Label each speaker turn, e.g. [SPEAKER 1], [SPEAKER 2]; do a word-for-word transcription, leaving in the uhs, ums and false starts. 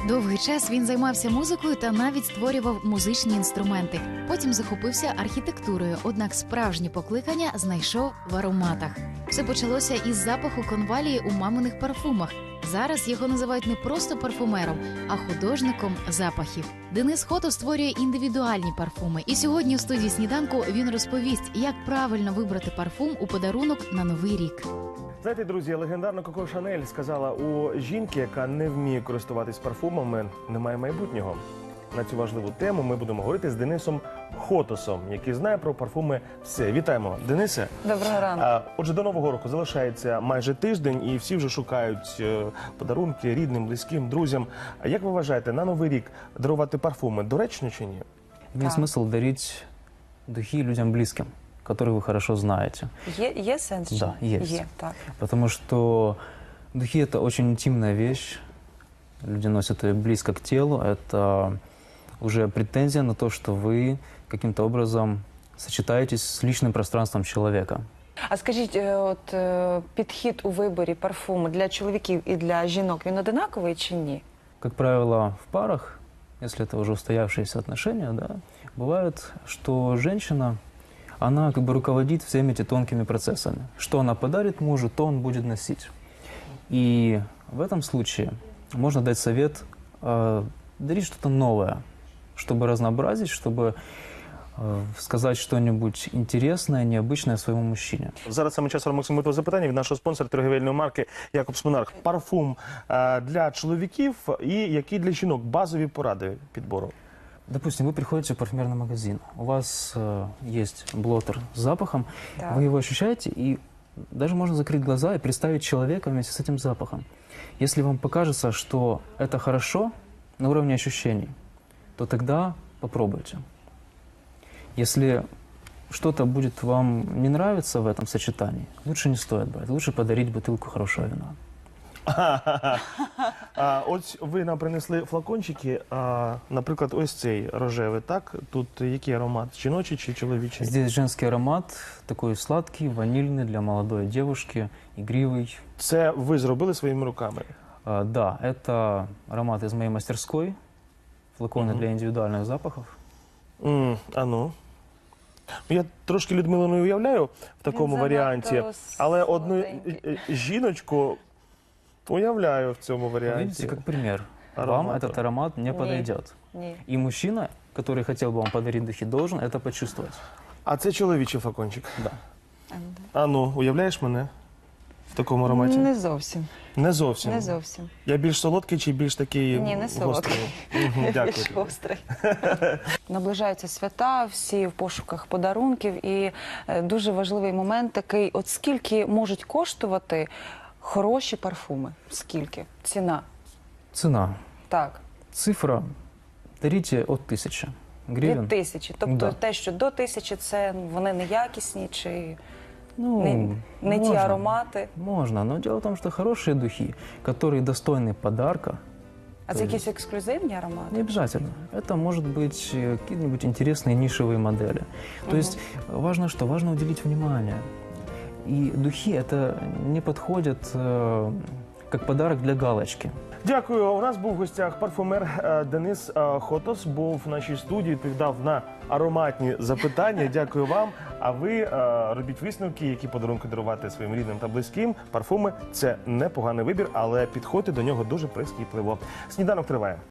[SPEAKER 1] Довгий час він займався музикою та навіть створював музичні інструменти. Потім захопився архітектурою, однак справжнє покликання знайшов в ароматах. Все почалося із запаху конвалії у маминих парфумах. Зараз його називають не просто парфумером, а художником запахів. Денис Хотос створює індивідуальні парфуми. І сьогодні в студії «Сніданку» він розповість, як правильно вибрати парфум у подарунок на Новий рік.
[SPEAKER 2] Знаєте, друзі, легендарна Коко Шанель сказала, у жінки, яка не вміє користуватись парфумами, немає майбутнього. На цю важливу тему ми будемо говорити з Денисом Хотосом, який знає про парфуми все. Вітаємо, Денисе.
[SPEAKER 3] Доброго ранку.
[SPEAKER 2] Отже, до Нового року залишається майже тиждень, і всі вже шукають подарунки рідним, близьким, друзям. А як ви вважаєте, на Новий рік дарувати парфуми доречно чи ні?
[SPEAKER 4] Имеет смысл дарить духи людям близким, которые вы хорошо знаете.
[SPEAKER 3] Є, є сенс?
[SPEAKER 4] Да, есть.
[SPEAKER 3] Є, так.
[SPEAKER 4] Потому что духи – это очень интимная вещь. Люди носят ее близко к телу. Это уже претензия на то, что вы каким-то образом сочетаетесь с личным пространством человека.
[SPEAKER 3] А скажіть, е, от е, підхід у виборі парфуму для чоловіків і для жінок, він одинаковий чи ні?
[SPEAKER 4] Как правило, в парах, если это уже устоявшиеся отношения, да, бывает, что женщина, она как бы руководит всеми этими тонкими процессами. Что она подарит мужу, то он будет носить. И в этом случае можно дать совет э, дарить что-то новое, чтобы разнообразить, чтобы э, сказать что-нибудь интересное, необычное своему мужчине.
[SPEAKER 2] Зараз саме час Максимового запитання від нашого спонсора торгівельної марки Якобс Монарх. Парфум е, для чоловіків і які для жінок базові поради підбору?
[SPEAKER 4] Допустим, вы приходите в парфюмерный магазин, у вас э, есть блотер с запахом,
[SPEAKER 3] Так.
[SPEAKER 4] вы его ощущаете, и даже можно закрыть глаза и представить человека вместе с этим запахом. Если вам покажется, что это хорошо на уровне ощущений, то тогда попробуйте. Если что-то будет вам не нравиться в этом сочетании, лучше не стоит брать, лучше подарить бутылку хорошего вина.
[SPEAKER 2] А, ось ви нам принесли флакончики, а, наприклад, ось цей рожевий, так? Тут який аромат? Жіночий чи чоловічий?
[SPEAKER 4] Здесь женский аромат, такой сладкий, ванильный для молодой девушки, игривый.
[SPEAKER 2] Це ви зробили своїми руками?
[SPEAKER 4] А, да, это аромат из моей мастерской, флаконы
[SPEAKER 2] Мгм.
[SPEAKER 4] для индивидуальных запахов.
[SPEAKER 2] М, а ну. Ну, я трошки Людмилу не уявляю в такому
[SPEAKER 3] Він
[SPEAKER 2] варіанті,
[SPEAKER 3] занадто
[SPEAKER 2] але одну
[SPEAKER 3] солоденький.
[SPEAKER 2] е, е, жіночку уявляю в цьому
[SPEAKER 4] Вы
[SPEAKER 2] варіанті.
[SPEAKER 4] видите, как пример. Вам
[SPEAKER 2] Аромата.
[SPEAKER 4] этот аромат не
[SPEAKER 3] Не.
[SPEAKER 4] подойдет.
[SPEAKER 3] Ні.
[SPEAKER 4] И мужчина, который хотел бы вам подарить духи, должен это почувствовать.
[SPEAKER 2] А це чоловічий флакончик.
[SPEAKER 4] Да.
[SPEAKER 2] А ну, уявляєш мене в такому ароматі?
[SPEAKER 3] Не зовсім.
[SPEAKER 2] Не зовсім.
[SPEAKER 3] Не зовсім.
[SPEAKER 2] Я більш солодкий чи більш такий
[SPEAKER 3] Ні, не солодкий.
[SPEAKER 2] гострий? Мгм,
[SPEAKER 3] Я
[SPEAKER 2] дякую.
[SPEAKER 3] більш гострий. Наближаються свята, всі в пошуках подарунків. І е, дуже важливий момент такий, от скільки можуть коштувати хороші парфуми? Скільки? Ціна.
[SPEAKER 4] Цена.
[SPEAKER 3] Так.
[SPEAKER 4] Цифра. Дарите от тысячи
[SPEAKER 3] Від
[SPEAKER 4] гривен.
[SPEAKER 3] тисячі. Тобто
[SPEAKER 4] Да.
[SPEAKER 3] те, що до тисячі, це вони неякісні чи
[SPEAKER 4] Ну,
[SPEAKER 3] не, не ті
[SPEAKER 4] можно.
[SPEAKER 3] аромати.
[SPEAKER 4] Можно, но дело в том, что хорошие духи, которые достойны подарка,
[SPEAKER 3] А це якісь ексклюзивні аромати?
[SPEAKER 4] не обязательно. Это может быть э, какие-нибудь интересные нишевые модели. То
[SPEAKER 3] Мгм.
[SPEAKER 4] есть важно что? Важно уделить внимание. И духи это не подходят э, как подарок для галочки.
[SPEAKER 2] Дякую. У нас був в гостях парфумер е, Денис е, Хотос. Був в нашій студії, відповідав на ароматні запитання. Дякую вам. А ви е, робіть висновки, які подарунки дарувати своїм рідним та близьким. Парфуми – це непоганий вибір, але підходьте до нього дуже прискіпливо. Сніданок триває.